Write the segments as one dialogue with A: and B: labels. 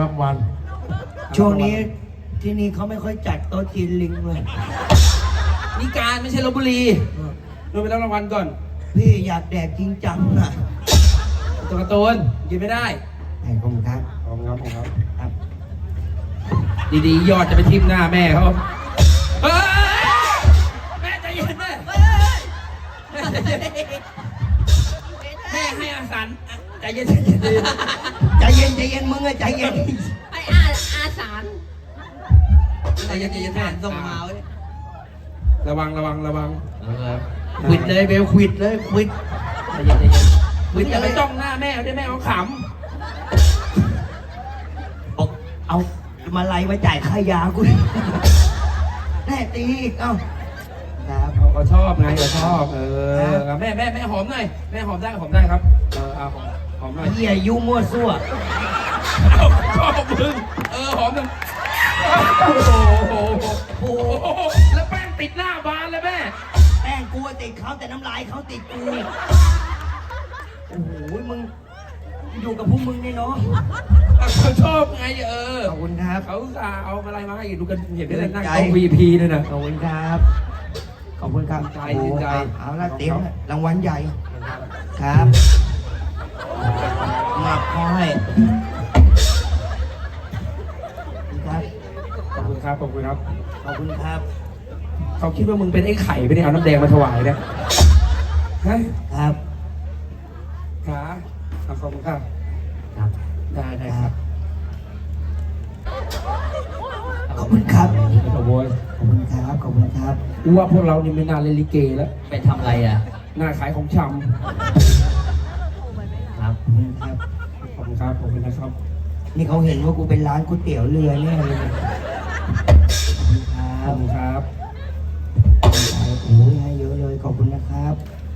A: รางวัลช่วงนี้ที่นี่เขาไม่ค่อยจัดโต๊ะจีนลิงเลย
B: นี่การไม่ใช่ลพบุรีดูไปรับรางวัลก่อน
A: พี่อยากแดกจริงจังน่ะ
B: ตัวการ์ตูนกินไม่ได้
A: ไอ้ขอบคุณครับ
B: ขอบคุณครับครับดีๆยอดจะไปทิ่มหน้าแม่เขาแม่ใจเย็นแม่แม่ให้อาสันใจเย็น
A: ใจเย็นมึงอะใจเย็น
C: ไอ้อาสาร
B: ใจเย็นแม่
C: ส่งมา
B: ระวัง
A: ควิดเลยเบลควิดเลยควิด
B: ใจเย็นควิดอย่าไปจ้องหน้าแม่ได้แม่เขาขำ
A: บอกเอามาไล่มาจ่ายค่ายากูแน่ตีอีกเอ้า
B: ครับเขาชอบไงเขาชอบแม่หอมหน่อยแม่หอมได้ครับเอาหอมหน่อย
A: เหี้ยยุ่งมั่วซั่ว
B: ชอบมึงหอมหนึ่งโอ้โหแล้วแป้งติดหน้าบานเลยแม่
A: แป้งกูติดเขาแต่น้ำลายเขาติดกูโอ้โหมึงอยู่กับพวกมึงนี่เนาะ
B: เขาชอบไง
A: ขอบคุณครับ
B: เขาเอาอะไรมาให้ดูกันเห็นได้เลยนั่งโต๊ะ VP เลยนะ
A: ขอบคุณครับขอบคุณครับ
B: ใจ
A: เอาละเตรียมรางวัลใหญ่ครับมาขอให้
B: ขอบคุณครับ
A: ขอบคุณครับ
B: เขาคิดว่ามึงเป็นไอ้ไข่ไปเนี่ยเอาน้ำแดงมาถวายเนี่ย
A: ครับ
B: ขาขอบคุณครับได้ครับ
A: ขอบคุณครับ
B: ขอบคุณ
A: ครับ
B: ว่าพวกเรานี่ไม่น่าเล่นลิเกแล้ว
C: ไปทำอะไรอ่ะ
B: น่าขายของชำ
A: ครับ
B: ขอบคุณนะครับ
A: นี่เขาเห็นว่ากูเป็นร้านก๋วยเตี๋ยวเรือแน่เลย
B: ขอบคุณครับ
A: โอ้ยให้เยอะเลยขอบคุณนะครับ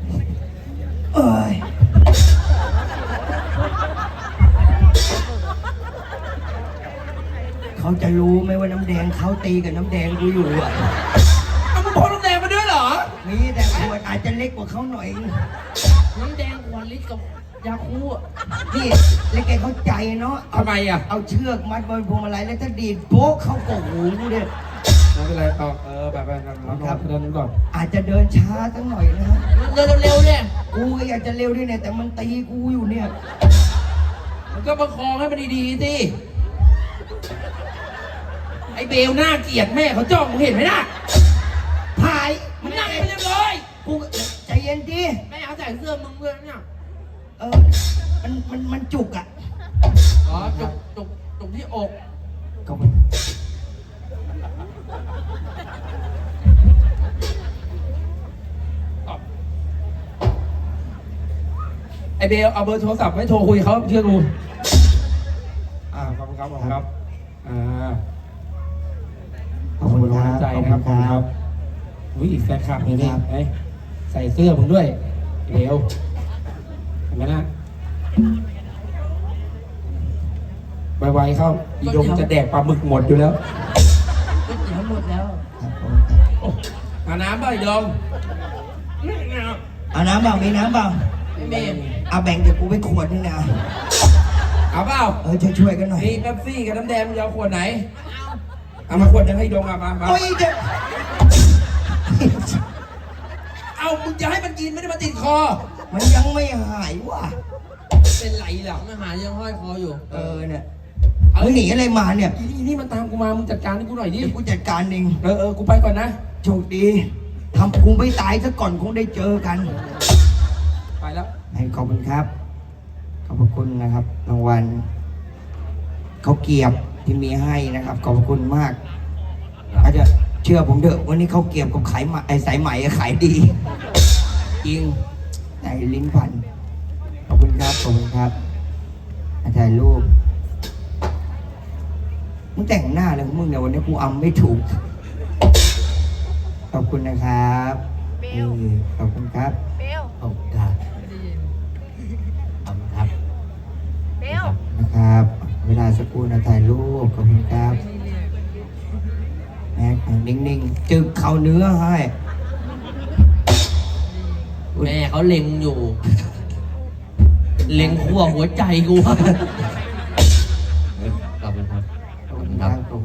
A: เขาจะรู้ไหมว่าน้ำแดงเขาตีกับน้ำแดงกูอยู่อ่ะ
B: เอามึงพกน้ำแดงมาด้วยเหรอ
A: มีแต่ขวดอาจจะเล็กกว่าเขาหน่อย
C: น้ำแดงขวดลิตรกับยาคู
A: นี่เล็กแกเข้าใจเนาะ
B: ทำไมอ่ะ
A: เอาเชือกมัดบนพวงมาลัยแล้วถ้าดีดโป๊กเข้ากกหูกูเนี่ย
B: ไม่เป็นไรต่อแบบครับเดินก่อน
A: อาจจะเดินช้าสักหน่อยนะ
C: เร็วเนี่ย
A: กูก็อยากจะเร็วด้วยเนี่ยแต่มันตีกูอยู่เนี่ย
B: มันก็ประคองให้มันดีๆสิไอ้เบลหน้าเกลียดแม่เขาจ้องมึงเห็นไหมน่ะ
A: พาย
B: มันนั่งไปเรียบร้อย
A: กูใจเย็นดิ
C: แม่เขาใส่เสื้อมึงด้วยเนี่ย
A: มันจุกอ่ะ
C: อ๋อจุกที่อก
A: ขอบคุณ
B: ไอเบลเอาเบอร์โทรศัพท์ไว้โทรคุยเขาเชื่อกูขอบคุณครับ
A: ขอบคุณ
B: ใจนะครับขอบคุณครับอุ้ยแฟนคลับนี่ใส่เสื้อมึงด้วยเบลเห็นไหมนะไวๆเข้าอีดงจะแดกปลาหมึกหมดอยู่แล้ว
C: หมดแล้ว
B: เอาน้ำป่ะอีดง
A: เอาน้ำเปล่ามีน้ำเปล่า
C: ไม่มี
A: เอาแบ่งเดี๋ยวกูไปขวดนึงนะ
B: เอาเปล่า
A: ช่วยกันหน่อย
B: นี่เป๊ปซี่กับน้ำแดงมึงจะเอาขวดไหนเอามาขวดนึงให้ดงมา
A: โอ้ย
B: เอามึงจะให้มันกินไม่ได้มาติดคอ
A: มันยังไม่หายว่ะ
B: เป็นไรหรอ
C: ไม่หายยังห้อยคออยู่
A: เนี่ยมึงหนีอะไรมาเนี่ย
B: นี่มันตามกูมามึงจัดการให้กูหน่อยดิ
A: กูจัดการเอง
B: กูไปก่อนนะ
A: โชคดีทำกูไม่ตายซะก่อนคงได้เจอกัน
B: ไปแล้ว
A: ขอบคุณครับขอบคุณนะครับรางวัลเขาเกียบที่มีให้นะครับขอบคุณมากอาจจะเชื่อผมเถอะวันนี้เขาเกียบกับสายไหมขายดีจริงไอ้ลิ้นพันขอบคุณครับถ่ายรูปมึงแต่งหน้าเลยมึงเนี่ยวันนี้กูอำไม่ถูกขอบคุณนะครับขอบคุณครับขอบคุณครับนะครับเวลาสักครู่นะถ่ายรูปขอบคุณครับนิ่งๆจึกเข่าเนื้อให้
C: แม่เขาเล็งอยู่ เล็งขั้วหัวใจกูขอบคุณ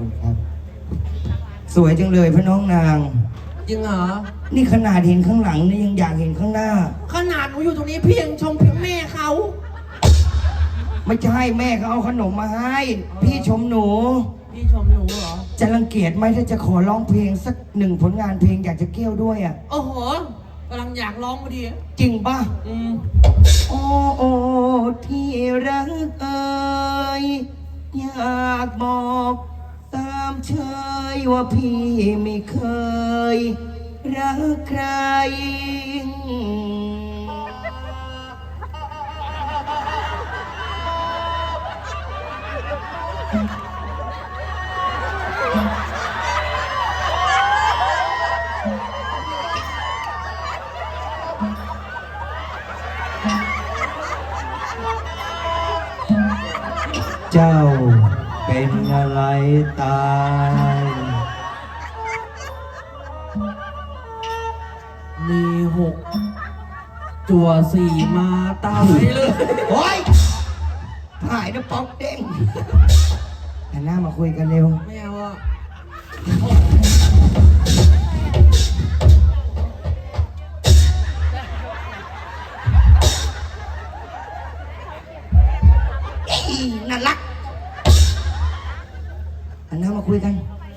A: คุณครับ สวยจังเลยพระน้องนาง
C: จริงเหรอ
A: นี่ขนาดเห็นข้างหลังนี่ยังอยากเห็นข้างหน้า
C: ขนาดหนูอยู่ตรงนี้พี่ยังชมแม่เขา
A: ไม่ใช่แม่เขาเอาขนมมาให้ พี่ชมหนู
C: พี่ชมหนูเหรอ
A: จะรังเกียจไหมถ้าจะขอร้องเพลงสักหนึ่งผลงานเพลงอยากจะเกี้ยวด้วยอ่ะ
C: โอ้โหกำลังอยากร้องพอดี
A: จริงป่ะ
C: อืม
A: โอ้โอ้ที่รักเอ่ยอยากบอกตามเชยว่าพี่ไม่เคยรักใคร เจ้าเป็นอะไรตาย
C: มี6 จั่ว4มาตายเลย
A: โอ้ยหายนะป๊อกเด้งหันหน้ามาคุยกันเร็ว
C: ไม่เอาอ่ะ
A: อีน่ารักหันหน้ามาคุยกัน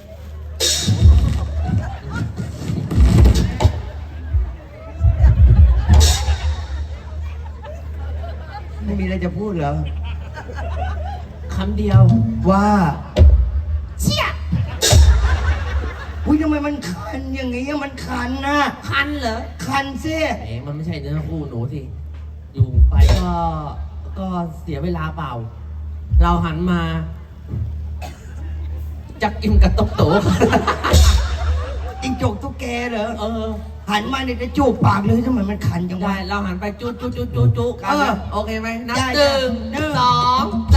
A: ไม่มีอะไรจะพูดเหรอ
C: คำเดียว
A: ว่าเชี่ยอุ้ยทำไมมันคันอย่างงี้อะมันคันนะ
C: คันเหรอ
A: คันซิ
C: เอ๋มันไม่ใช่เนื้อคู่หนูสิ อยู่ไปก็เสียเวลาเปล่า เราหันมาจะกินกับตกโต
A: จิงจกตุ๊กแกเหรอ
C: เออ
A: หันมาเนี่ยจะจูบปากเลยทำไมมันคันจัง
C: ได้
A: วะ
C: เราหันไปจุกัน
A: เออ
C: โอเคไหมนับ
A: ได้
C: หนึ่ง
A: หนึ่ง
C: 2